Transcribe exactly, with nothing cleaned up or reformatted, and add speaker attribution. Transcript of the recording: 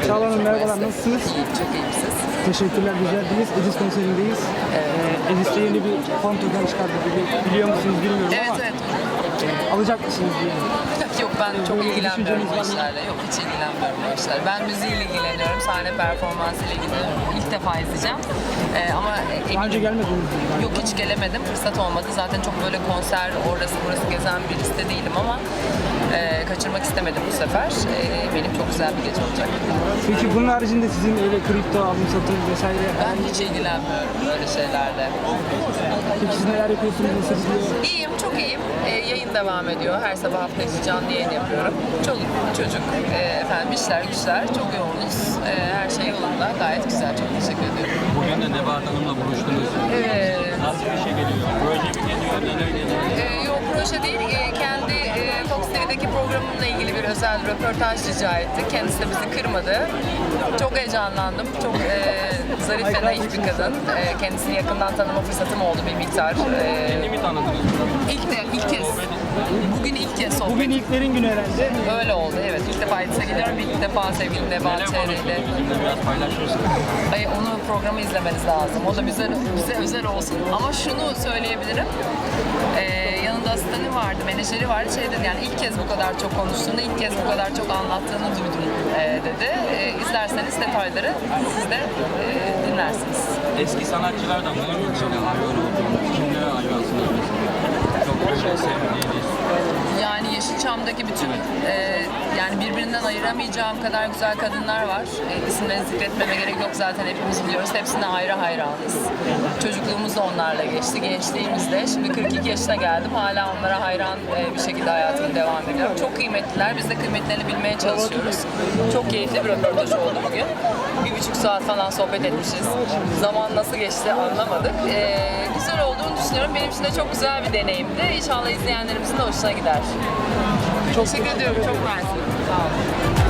Speaker 1: Çağla Hanım merhabalar,
Speaker 2: Maalesef.
Speaker 1: nasılsınız?
Speaker 2: İyiyim, çok iyiyim siz.
Speaker 1: Teşekkürler, güzel değiliz. Edis konserindeyiz.
Speaker 2: Evet.
Speaker 1: Ee, Edis'te yeni bir fon token çıkardı gibi biliyor musunuz bilmiyorum
Speaker 2: Evet,
Speaker 1: ama
Speaker 2: evet.
Speaker 1: e, alacak mısınız diye.
Speaker 2: Yok, ben çok
Speaker 1: Böyle bir
Speaker 2: ilgilenmiyorum
Speaker 1: düşünceniz
Speaker 2: bu
Speaker 1: var mı?
Speaker 2: işlerle. Yok, hiç ilgilenmiyorum bu işlerle. Ben müziğiyle ilgileniyorum. Sahne performansıyla ilgileniyorum. İlk defa izleyeceğim. Ee, ama
Speaker 1: Daha önce
Speaker 2: eminim.
Speaker 1: gelmediniz mi?
Speaker 2: Yok, hiç gelemedim. Fırsat olmadı. Zaten çok böyle konser, orası burası gezen birisi de değilim ama e, kaçırmak istemedim bu sefer. E, benim çok güzel bir gece olacak.
Speaker 1: Peki bunun haricinde sizin öyle kripto alım satım vesaire
Speaker 2: Ben hiç ilgilenmiyorum böyle şeylerle.
Speaker 1: peki siz neler yapıyorsunuz, nasıl gidiyor?
Speaker 2: İyiyim, çok iyiyim. Ee, yayın devam ediyor. Her sabah hafta içi canlı yayın yapıyorum. Çoluk, çocuk, e, efendim işler güçler, çok yoğunuz. E, her şey yolunda, gayet güzel. Çok teşekkür ediyorum.
Speaker 3: Bugün de Nebahat Hanım'la buluştunuz.
Speaker 2: Evet.
Speaker 3: Nasıl bir şey geliyor? Proje mi geliyor? Neler geliyor?
Speaker 2: Ee, yok, proje değil. Ee, kendi e, Fox T V'deki programımla ilgili bir özel röportaj rica etti. Kendisi de bizi kırmadı. Çok heyecanlandım. Çok e, zarif ve naif bir kadın. E, kendisini yakından tanıma fırsatım oldu bir miktar. E,
Speaker 3: Beni mi tanıdınız?
Speaker 2: ilk, de, ilk kez. Bugün ilk kez sohbet.
Speaker 1: Bugün ilklerin günü herhalde.
Speaker 2: Öyle oldu, evet. İlk defa Edis'e geliyorum. İlk defa sevgili Nebahat
Speaker 3: Neler
Speaker 2: Çehre ile.
Speaker 3: konuştunuz? Bizimle biraz paylaşırsınız.
Speaker 2: Ay, onu programı izlemeniz lazım. O da bize, bize özel olsun. Ama şunu söyleyebilirim. Ee, yanında asistanı vardı, menajeri vardı. Şey dedi, yani ilk kez bu kadar çok konuştuğunu, ilk kez bu kadar çok anlattığını duydum e, dedi. E, izlerseniz detayları siz de e, dinlersiniz.
Speaker 3: Eski sanatçılardan var mı? Mesela hayvan olduğunuz, kimlere hayvansınız mesela? Çok böyle sevdiğiniz.
Speaker 2: Yani Yeşilçam'daki bütün e, yani birbirinden ayıramayacağım kadar güzel kadınlar var. E, isimlerini zikretmeme gerek yok, zaten hepimiz biliyoruz. Hepsine ayrı hayranız. Çocukluğumuz da onlarla geçti, gençliğimiz de. Şimdi kırk iki yaşına geldim. Hala onlara hayran e, bir şekilde hayatımı devam ediyorum. Çok kıymetliler. Biz de kıymetlerini bilmeye çalışıyoruz. Çok keyifli bir röportaj oldu bugün. Bir buçuk saat falan sohbet etmişiz. Zaman nasıl geçti anlamadık. E, güzel olduğunu düşünüyorum. Benim için de çok güzel bir deneyimdi. İnşallah izleyenlerimizin de hoşuna gider. Çok teşekkür ediyorum. Çok mersi. Sağ olun.